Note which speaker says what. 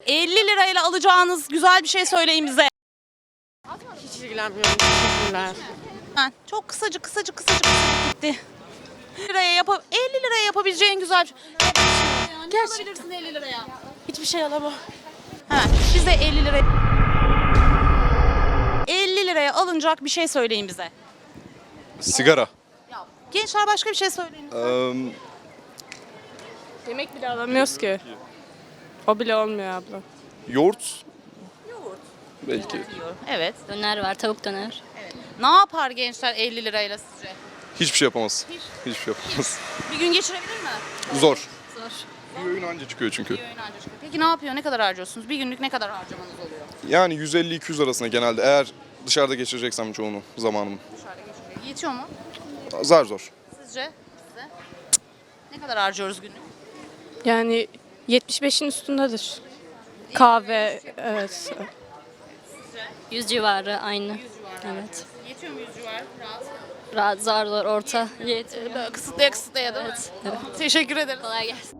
Speaker 1: 50 lirayla alacağınız güzel bir şey söyleyin bize.
Speaker 2: Hiç ilgilenmiyorum. Teşekkürler.
Speaker 1: Çok kısacık gitti. 50 liraya yapabileceğin güzel bir şey. Ne alabilirsin 50 liraya?
Speaker 2: Hiçbir şey alamam.
Speaker 1: Hemen bize 50 liraya alınacak bir şey söyleyin bize.
Speaker 3: Sigara.
Speaker 1: Gençler başka bir şey söyleyin.
Speaker 2: Yemek bile alamıyoruz ki. O bile olmuyor abla.
Speaker 3: Yoğurt. Belki.
Speaker 1: Evet.
Speaker 4: Döner var, tavuk döner.
Speaker 1: Ne yapar gençler 50 lirayla sizce?
Speaker 3: Hiçbir şey yapamaz. Hiçbir şey yapamaz.
Speaker 1: Bir gün geçirebilir mi?
Speaker 3: Zor.
Speaker 4: Zor.
Speaker 3: Bir öğün anca çıkıyor çünkü.
Speaker 1: Peki ne yapıyor? Ne kadar harcıyorsunuz? Bir günlük ne kadar harcamanız oluyor?
Speaker 3: Yani 150-200 arasında genelde eğer dışarıda geçireceksem çoğunu zamanımı.
Speaker 1: Yetiyor mu?
Speaker 3: Zar zor.
Speaker 1: Sizce? Size? Ne kadar harcıyoruz günlük?
Speaker 2: Yani 75'in üstündedir. Kahve, evet.
Speaker 4: 100 civarı aynı. Evet.
Speaker 1: Yetiyor mu 100 civar? Rahat.
Speaker 4: Rahat, zar zor, orta. Yetiyor.
Speaker 1: Kısıtlaya değil mi?
Speaker 4: Evet.
Speaker 1: Teşekkür ederim.
Speaker 4: Kolay gelsin.